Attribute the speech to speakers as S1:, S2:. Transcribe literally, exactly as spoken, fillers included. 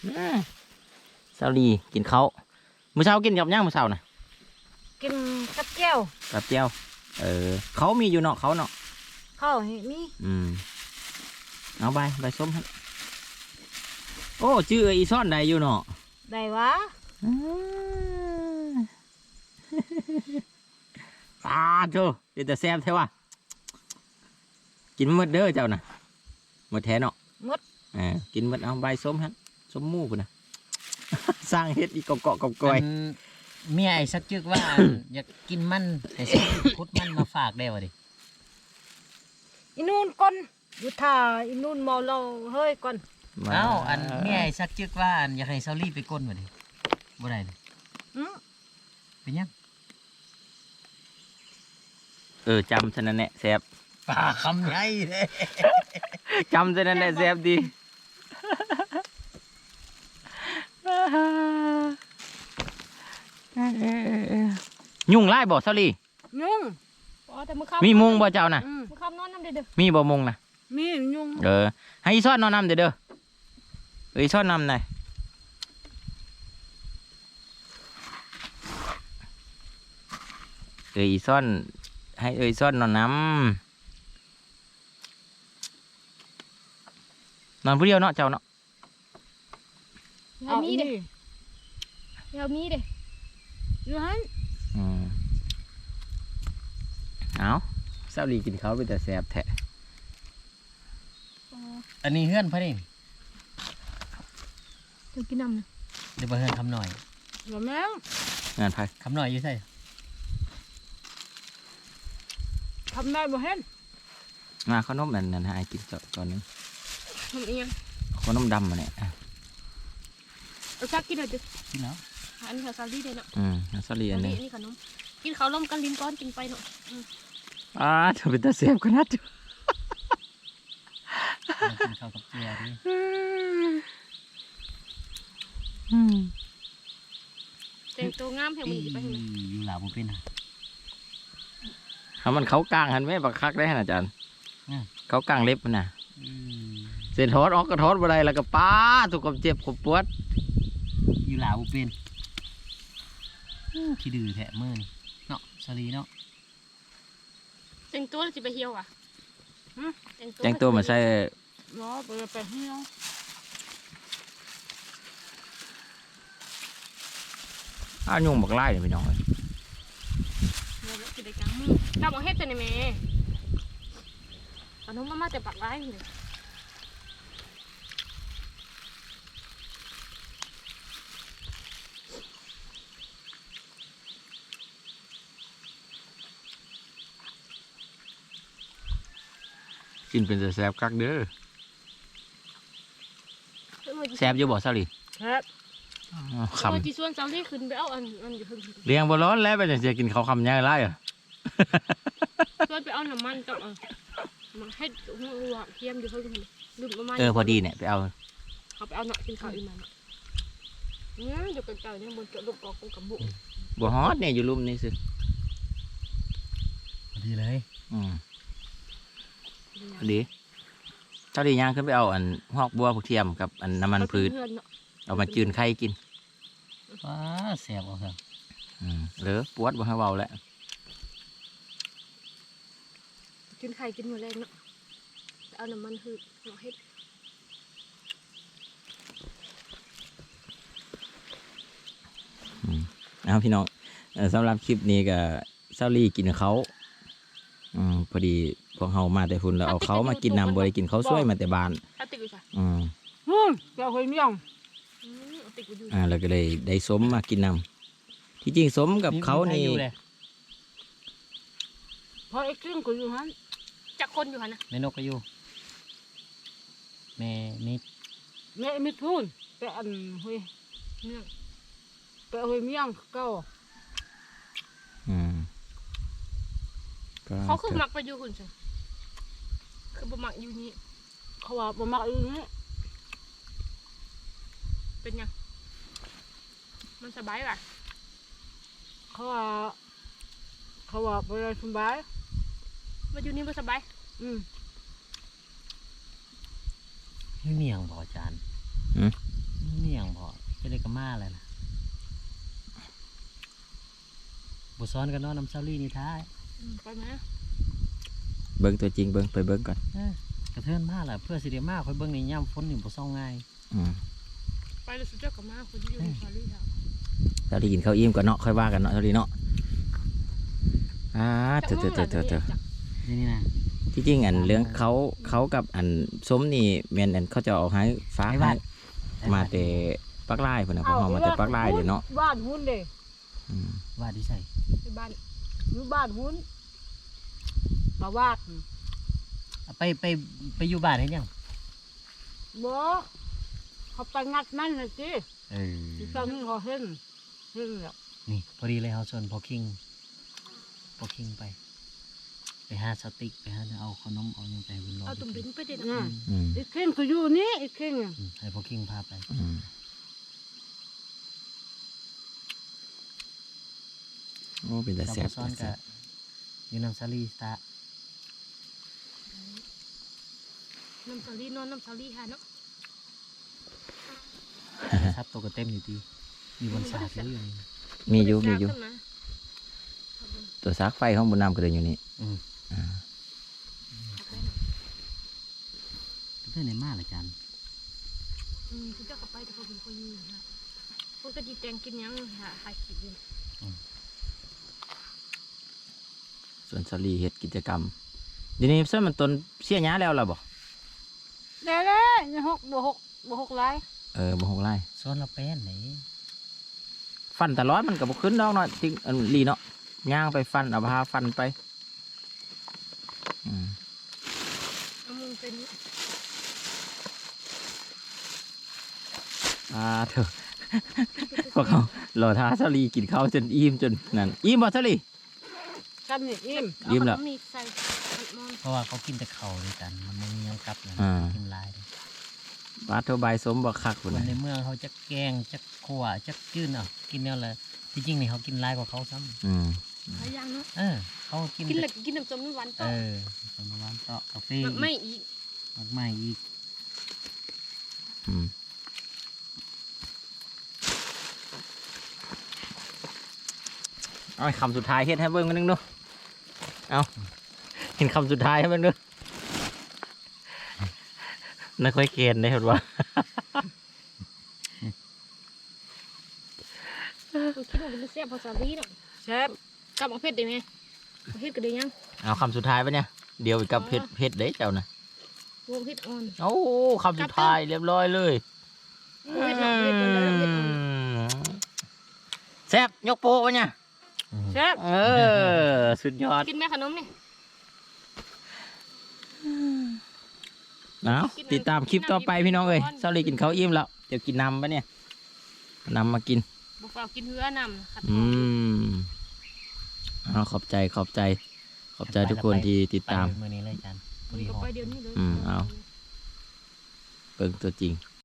S1: เช้าดีกินข้าวมื้อเช้ากินกับย่างมื้อเช้าน่ะ
S2: กินกับแก้ว
S1: กับแก้วเออเขามีอยู่เนาะเขาเนาะ
S2: เขาเห็นมี
S1: อืมเอาใบใบส้มครับโอ้ชื่ออีซ่อนได้อยู่เนาะ
S2: ได้วะ
S1: ตาโธ่เดี๋ยวแต่แซ่บเท่ว่ะกินหมดเด้อเจ้าน่ะหมดแท้เนาะ
S2: หมด
S1: อ่ากินหมดเอาใบส้มฮะส้มหมูพุ่นนะสร้างเฮ็ดอีกเกาะๆกับก้อย
S3: เมียไอ้สักจึกว่า อยากกินมันไอ้สักพุดมันมาฝากได้วะดิ
S2: อีนู่นก่อนอยู่ท่าอีนู่นเมาเราเฮ้ยก่อน
S3: เอ้าอันเมียไอ้สักจึกว่าอยากให้เซาลี่ไปก้นวะดิบ่ได้เลยเป็นยัง
S1: เออจำฉะนั้นแหละแซ่บ
S3: ปลาคำใหญ่เลย
S1: จำฉะนั้นแหละแซ่บดียุ่งไล่บ่ซาลี
S2: ยุ่ง
S1: มีมุงบ่เจ้าน่ะมีบ่มุงน่ะ
S2: มียุ่ง
S1: เออให้อีซ้อนนอนนำเด้อเด้อเอ้ยซ้อนนำหน่อยเอ้ยซ้อนให้เอ้ยซ้อนนอนนำนอนผู้เดียวเนาะเจ้าเนาะ
S2: เอามีเด้เอามีเด้อยู่ฮั่น
S1: อืมเอาเช้าลีกินข้าวไปแต่แซ่บแท้
S3: อันนี้เฮือนพะนี่
S2: จะกินน้ำนะ
S3: เดี๋ยวมาเฮือนคำหน่อย
S2: หรอแม่
S1: งานไผ่
S3: คำหน่อยอยู่ใช่
S2: ทำได้บ่เห็น
S1: มาขนมนั่นนั่นให้กินจอดก่อนนึง
S2: ทำเอง
S1: ขนมดำมาเนี่ย
S2: เอาชักกินหน่อยดิ
S3: กินแล้ว
S2: อันนี้ซาลี่เลยเนาะ
S1: อืมซาลี่อันนี้
S2: นี่ขนมกินข้าวล้มกันลิ้นก้อนกินไปเนาะ
S1: อ่าเธอเป็นตาเสียบขนาดจุ
S3: กินข้าวกับเจียดิ
S2: แต่งตัวงามแถวมันไปทางไหน
S3: อยู่หลาบุเป็น
S1: ทำมันเขากลางหันไหมบักคักได้ขนาดอาจารย์เขากลางเล็บมันน่ะเส้นทอดออกกระทอดอะไรแล้วก็ป้าถูกกับเจ็บกับปวด
S3: อยู่หลาบุเป็นขี้ดื้อแทะมือเนาะสลีเนาะ
S2: แต่งตัวจะไปเที่ยวอ่ะ
S1: แต่งตัวมาใส่
S2: เนาะไปไปเที่ยว
S1: อ้าวยุ่งบักไล่เลยพี่น้องเลย
S2: กินได้จังถ้าบอกเฮ็ดจะไหนแม่ขนมมามาแต่ปักไล่เลย
S1: กินเป็นแซ่บคักเด้อแซ่บอยู่บ่ซาลี
S2: ครับ
S1: คำ
S2: จีส่วนซาลีขึ้นไปเอาอันอันอยู่ข้าง
S1: เลี้ยงบ่ร้อนแล้วไปจะกินเขาคำยังไงอ่ะ
S2: ส่วนไปเอาน้ำมันกับมาให้หัวเทียมอยู่ข้างดื่มประมาณ
S1: เออพอดีเนี่ยไปเอา
S2: เขาไปเอาหนักกินข้าวอีมันอืมอยู่กันเก่าเนี่ยบนเกลือกอกกับบุก
S1: บ่ฮอตเนี่ยอยู่ลุ่มนี่สิ
S3: พอดีเลย
S1: อืมพอดีเจ้าดีย่างขึ้นไปเอาอันหอกบัวผักเทียมกับอันน้ำมันพืชเอามาจืนไข่กิน
S3: ว้าแสบเอาครับ
S1: อืมหรือปวดบ่ให้เบาแล้ว
S2: จืนไข่กินหมดเลยเนาะเอาน้ำมันพืชเอาให้
S1: เอาพี่น้องสำหรับคลิปนี้ก็เซาลี่กินเขาอืมพอดีพวกเฮามาแต่ฝุ่นแล้วเอาเขามากินน้ำบริกินเขาช่วยมาแต่บ้านอืม
S2: อืมเจ้าเคยมียัง
S1: อ่าแล้วก็เลยได้สมมากินน้ำที่จริงสมกับเขานี่
S2: พอไอ้ครึ่งก็อยู่ฮันจักคนอยู่ฮันนะ
S3: แม่นกก็อยู่แม่นิด
S2: แม่ไม่พูดแต่อันเฮ้ยเนี่ยแต่เฮ้ยมียังเก่า
S1: อืม
S2: เขาคือมักไปอยู่คุณใช่คือบ่มักอยู่นี่เขาว่าบ่มักอยู่นี่เป็นยังมันสบายป่ะเขาว่าเขาว่าบ่ได้สบายมาอยู่นี่บ่สบายอืม
S3: ไม่เมียงบ่อาจารย์
S1: อืม
S3: เมียงได้ก็มาเลยล่ะบ่ซ้อนกันเนาะน้ำเซาลี่นี่ท้าย
S2: อืมไปไหม
S1: เบิ่งตัวจริงเบิ่งไปเบิ่งก่อน
S3: เออกระเทือนมาล่ะเพื่อสิได้มาค่อยเบิ่งในย่ำฝนนี่บ่ซ่องง่าย
S1: อืม
S2: ไปเลยสุดยอดกับมาคนที่อยู่ในซาลีครับ
S1: เซาลีกินข้าวอิ่มก่อนเนาะค่อยว่ากันเนาะเซาลีเนาะอ่าเถอะเถอะเถอะเถอะเถอะ
S3: นี่นี่นะ
S1: ที่จริงอันเรื่องเขาเขากับอันส้มนี่แม่นอันเขาจะเอาให้ฟ้าให้มาแต่ปักไล่พุ่นน่ะพวกเฮามาแต่ปักไล่เด้เนาะ
S2: บ้านหุ้นเด้
S1: อืม
S3: ว่าดิใส่
S2: ไปบ้านอยู่บ้านหุ้นมาวาด
S3: เอาไปไปไปอยู่บ้านเฮ็ดหยัง
S2: บ่เขาไปงัดนั่นน่ะสิ
S3: เออ
S2: ที่ตอนนี้เขาเห็นเห็นแล้ว
S3: นี่พอดีเลยเฮาชวนพอคิงพอคิงไป ไปหาสติ๊กไปหาเอาขนมเอาหยังไปบุญรอ
S2: เอาตุ่มดินไปเด็ด
S1: อืม
S2: อีกเข่งก็อยู่นี่อีกเข่งอะ
S3: อืมให้พอคิงพาไป
S1: อืมโอ้เป็นแต่
S3: เรา
S1: แซ่บ
S3: บ่ซ้อนกับอยู่น้ำซาลีสตา
S2: น้ำซาลีนอนน้ำซาลีหาเนาะ
S3: ซับตัวก็เต็มอยู่ดีมีบนสาดเลยอยู่นี่
S1: มีอยู่มีอยู่
S2: ขึ้นมา
S1: ตัวซักไฟข้างบนน้ำก็เลยอยู่นี่
S3: อืม
S1: อ่า
S3: เพื่อนในมาละจัน
S2: อืมสุดยอดกับไปแต่พอเป็นคนอยู่นะพวกกะทิแตงกินยังหาหาขีดอยู่
S1: ส่วนเซาลีเฮ็ดกิจกรรมเดี๋ยวนี้เส้นมันต้นเสียหญ้าแล้วล่ะบ่
S2: เด้เด้ยังหกบวกหกบวกหกไร
S1: เออบ่หกไร่
S3: ซ้อนเราเป็นไหน
S1: ฟันตลอดมันก็บ่ขึ้นดอกเนาะที่อันลีเนาะย่างไปฟันเอาพาฟันไปอืม
S2: เอามึงเป็น
S1: อ่าเถอะ พวกเขารอท้าเซาลีกินข้าวจนอิ่มจนนั่นอิ่มบ่เซาลี
S2: ซ้ำนี่อิ่ม
S1: ยิ้มแล้ว
S2: เอาขนมีใส่มอน
S3: เพราะว่าเขากินแต่เข่าด้วยกัน มันไม่มีหยังกลับเลย
S1: อ่า
S3: กินหลายเลย
S1: ปลาเทาใบสมบ่คัก
S3: ค
S1: พุ่น
S3: น
S1: น่ะ
S3: ในเมืองเขาจะแกงจะขั่วจะจื้นเอากินเนี่ยเลยที่จริงนี่เขากินหลายกว่าเขาซ้
S1: อืม
S2: หลายอย่างเนาะ
S3: ำเออ เขากิน
S2: กินเหล็กกินน้ำส้มน้ำหวาน
S3: เอ
S2: ต่อ
S3: อสมวันเตาะกาแฟ
S2: แบบไม่อีก
S3: มากมายอีก
S1: อืมเอาคำสุดท้ายเฮ็ดให้เบิ่งกันนึงดูเอาเห็นคำสุดท้ายให้เบิ่งดูน่าค่อยเกณฑ์ได้เห็นว่า
S2: กูคิดว่าเป็นแซ่บภาษาลีเนาะแซ่บกลับมาเผ็ดได้ไหมเอาเผ็ดก็ได้ยัง
S1: เอาคำสุดท้ายปะเนี่ยเดี๋ยวกับเผ็ดเผ็ดเด้เจ้านะ
S2: รวมเผ็ดอ่อน
S1: โอ้คำสุดท้ายเรียบร้อยเลย
S2: เผ็ดหนักเผ็ดอ่อนแล้วเผ็ดอ่อน
S1: แซ่บยกโป๊ะปะเนี่ย
S2: แซ่บ
S1: เออ สุดยอด
S2: กินไหมขนมนี่
S1: เอาติดตามคลิปต่อไปพี่น้องเอ้ยเซาลีกินข้าวอิ่มแล้วเดี๋ยวกินน้ำปะเนี่ยน้ำมากิน
S2: บอกว่ากินเหือนำขัด
S1: อืมเอาขอบใจขอบใจ ขอบใจทุกคนที่ติดตาม
S3: ไปเมื่อนี้เลยจันพอดี
S2: ก็
S3: หอม
S2: ไปเดี๋ยวนี้เลย
S1: อืมเอา เบิ่งตัวจริง